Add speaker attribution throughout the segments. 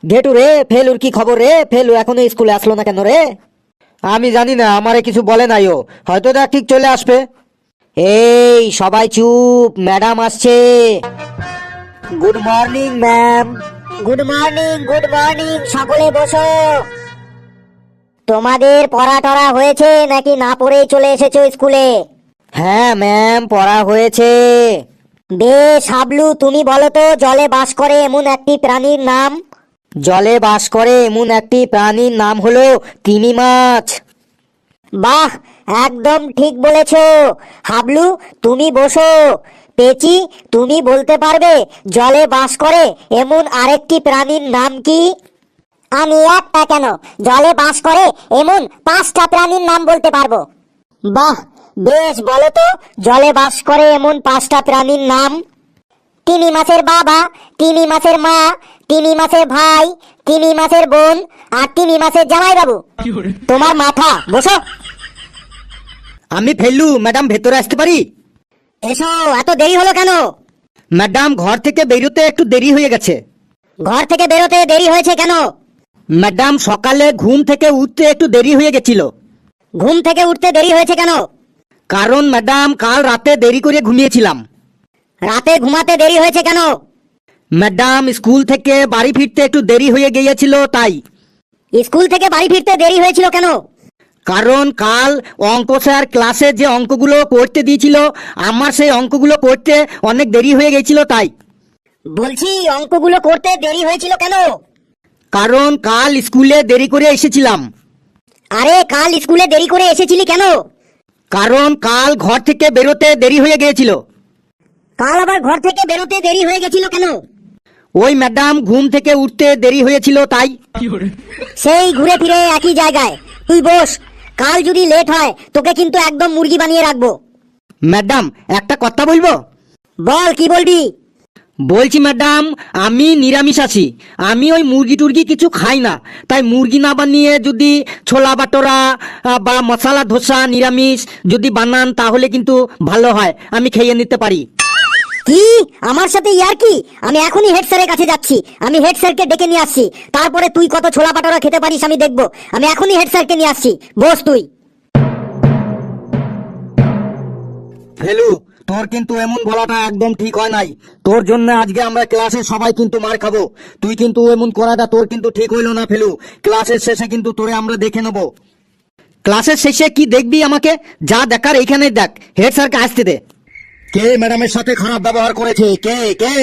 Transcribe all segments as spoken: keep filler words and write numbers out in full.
Speaker 1: ঘেটু রে, ফেলুর কি খবর রে? ফেলু এখনো স্কুলে আসলো না কেন রে? আমি জানি না, আমারে কিছু বলে নাই ও, হয়তো দেখ ঠিক চলে আসবে। এই সবাই চুপ, ম্যাডাম আসছে। Good morning ma'am.
Speaker 2: Good morning, good morning, সকলে বসো। তোমাদের পড়া টরা হয়েছে নাকি না পড়েই চলে এসেছো স্কুলে?
Speaker 1: হ্যাঁ ম্যাম, পড়া হয়েছে।
Speaker 2: বেশ, হাবলু তুমি বলো তো, জলে বাস করে এমন একটি প্রাণীর নাম।
Speaker 1: জলে বাস করে এমন একটি প্রাণীর নাম হলো তিমি মাছ।
Speaker 2: বাহ, একদম ঠিক বলেছো। হাবলু তুমি বসো। পেচি তুমি বলতে পারবে জলে বাস করে এমন আরেকটি প্রাণীর নাম কি? আমি একটা কেন, জলে বাস করে এমন পাঁচটা প্রাণীর নাম বলতে পারবো। বাহ, বেশ, বলো তো জলে বাস করে এমন পাঁচটা প্রাণীর নাম। তিমি মাছের বাবা, তিমি মাছের মা, তিমি মাছের ভাই, তিমি মাছের বোন, আর তিমি মাছের জামাই বাবু। তোমার মাথা, বসো।
Speaker 1: আমি ফেলু, ম্যাডাম ভেতরে আসতে পারি?
Speaker 2: এসো, এত দেরি হলো কেন?
Speaker 1: ম্যাডাম ঘর থেকে বেরোতে একটু দেরি হয়ে গেছে।
Speaker 2: ঘর থেকে বেরোতে দেরি হয়েছে কেন?
Speaker 1: ম্যাডাম সকালে ঘুম থেকে উঠতে একটু দেরি হয়ে গেছিল।
Speaker 2: ঘুম থেকে উঠতে দেরি হয়েছে কেন?
Speaker 1: কারণ ম্যাডাম কাল রাতে দেরি করে ঘুমিয়েছিলাম।
Speaker 2: রাতে ঘুমাতে দেরি হয়েছে কেন?
Speaker 1: ম্যাডাম স্কুল থেকে বাড়ি ফিরতে একটু দেরি হয়ে গিয়েছিল তাই।
Speaker 2: স্কুল থেকে বাড়ি ফিরতে দেরি হয়েছিল কেন?
Speaker 1: কারণ কাল অঙ্ক স্যার ক্লাসে যে অঙ্কগুলো করতে দিয়েছিল, আমার সেই অঙ্কগুলো করতে অনেক দেরি হয়ে গেছিল তাই।
Speaker 2: বলছি অঙ্কগুলো করতে দেরি হয়েছিল কেন?
Speaker 1: কারণ কাল স্কুলে দেরি করে এসেছিলাম।
Speaker 2: আরে কাল স্কুলে দেরি করে এসেছিলি কেন?
Speaker 1: কারণ কাল ঘর থেকে বেরোতে দেরি হয়ে গিয়েছিল।
Speaker 2: কাল আবার ঘর থেকে বেরোতে দেরি হয়ে গেছিল কেন?
Speaker 1: ওই ম্যাডাম ঘুম থেকে উঠতে দেরি হয়েছিল তাই।
Speaker 2: সেই ঘুরে ফিরে একই জায়গায়। তুই বস, কাল যদি লেট হয় তোকে কিন্তু একদম মুরগি বানিয়ে রাখবো।
Speaker 1: ম্যাডাম একটা কথা বলবো?
Speaker 2: বল, কি বলবি?
Speaker 1: বলছি ম্যাডাম, আমি নিরামিষাশী, আমি ওই মুরগি টুরগি কিছু খাই না, তাই মুরগি না বানিয়ে যদি ছোলা বাটোরা আহ, বা মশলা ধোসা নিরামিষ যদি বানান তাহলে কিন্তু ভালো হয়, আমি খেয়ে নিতে পারি।
Speaker 2: কি আমার সাথে ইয়ার কি? আমি এখনই হেড স্যারের কাছে যাচ্ছি। আমি হেড স্যারকে ডেকে নিয়ে আসছি, তারপরে তুই কত ছোলা পাটোরা খেতে পারিস আমি দেখবো। আমি এখনই হেড স্যারকে নিয়ে আসছি, বস তুই।
Speaker 1: ফেলু, তোর কিন্তু এমন বলাটা একদম ঠিক হয় নাই। তোর জন্য আজকে আমরা ক্লাসে সবাই কিন্তু মার খাবো। তুই কিন্তু এমন করাটা তোর কিন্তু ঠিক হইলো না ফেলু। ক্লাসের শেষে কিন্তু তোরে আমরা দেখে নেব। ক্লাসের শেষে কি দেখবি আমাকে? যা দেখার এইখানে দেখ, হেড স্যারকে আসতে দে। কে ম্যাডামের সাথে খারাপ ব্যবহার করেছে? কে কে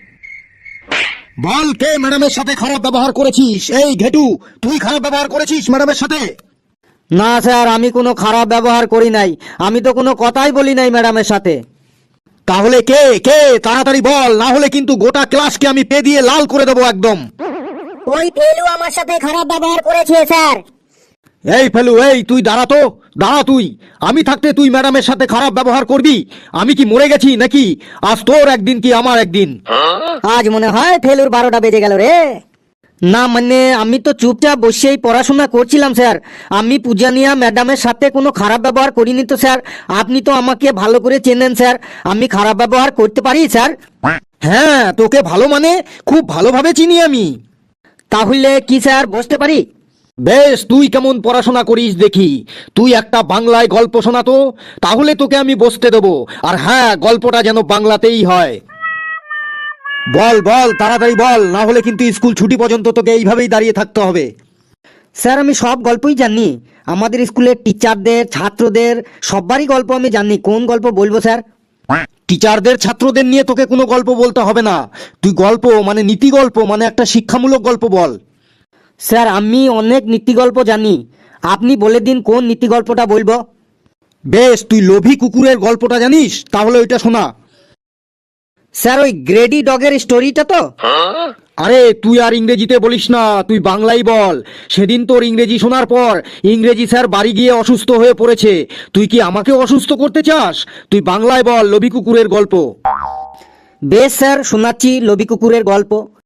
Speaker 1: বল, কে ম্যাডামের সাথে খারাপ ব্যবহার করেছিস? এই ঘেটু, তুই খারাপ ব্যবহার করেছিস ম্যাডামের সাথে? না স্যার, আমি কোনো খারাপ ব্যবহার করি নাই, আমি তো কোনো কথাই বলি নাই ম্যাডামের সাথে। তাহলে কে কে তাড়াতাড়ি বল, না হলে কিন্তু গোটা ক্লাসকে আমি পে দিয়ে লাল করে দেবো একদম।
Speaker 2: ওই ফেলু আমার সাথে খারাপ ব্যবহার করেছে স্যার।
Speaker 1: এই ফেলু, এই তুই দাঁড়া তো, দাঁড়া তুই। আমি থাকতে তুই ম্যাডামের সাথে খারাপ ব্যবহার করবি? আমি কি মরে গেছি নাকি? আজ তোর একদিন কি আমার একদিন। আজ মনে হয় ফেলুর বারোটা বেজে গেল রে। না মানে আমি তো চুপচাপ বসেই পড়াশোনা করছিলাম স্যার। আমি পূজানিয়া ম্যাডামের সাথে কোনো খারাপ ব্যবহার করিনি তো স্যার। আপনি তো আমাকে ভালো করে চেনেন স্যার, আমি খারাপ ব্যবহার করতে পারি স্যার? হ্যাঁ, তোকে ভালো মানে খুব ভালোভাবে চিনি আমি। তাহলে কি স্যার বসতে পারি? বেশ, তুই কেমন পড়াশোনা করিস দেখি। তুই একটা বাংলায় গল্প শোনা তো, তাহলে তোকে আমি বসতে দেবো। আর হ্যাঁ, গল্পটা যেন বাংলাতেই হয়। বল বল, তাড়াতাড়ি বল, না হলে কিন্তু স্কুল ছুটি পর্যন্ত তোকে এইভাবেই দাঁড়িয়ে থাকতে হবে। স্যার আমি সব গল্পই জানি, আমাদের স্কুলের টিচারদের ছাত্রদের সবারই গল্প আমি জানি। কোন গল্প বলবো স্যার? টিচারদের ছাত্রদের নিয়ে তোকে কোনো গল্প বলতে হবে না। তুই গল্প মানে নীতি গল্প, মানে একটা শিক্ষামূলক গল্প বল। স্যার আমি অনেক নীতি গল্প জানি, আপনি বলে দিন কোন নীতি গল্পটা বলবো। বেশ, তুই লোভী কুকুরের গল্পটা জানিস, তাহলে ওইটা শোনা। স্যার ওই গ্রেডি ডগের স্টোরিটা তো? আরে তুই আর ইংরেজিতে বলিস না, তুই বাংলাই বল। সেদিন তোর ইংরেজি শোনার পর ইংরেজি স্যার বাড়ি গিয়ে অসুস্থ হয়ে পড়েছে। তুই কি আমাকে অসুস্থ করতে চাস? তুই বাংলায় বল লোভী কুকুরের গল্প। বেশ স্যার, শোনাচ্ছি লোভী কুকুরের গল্প।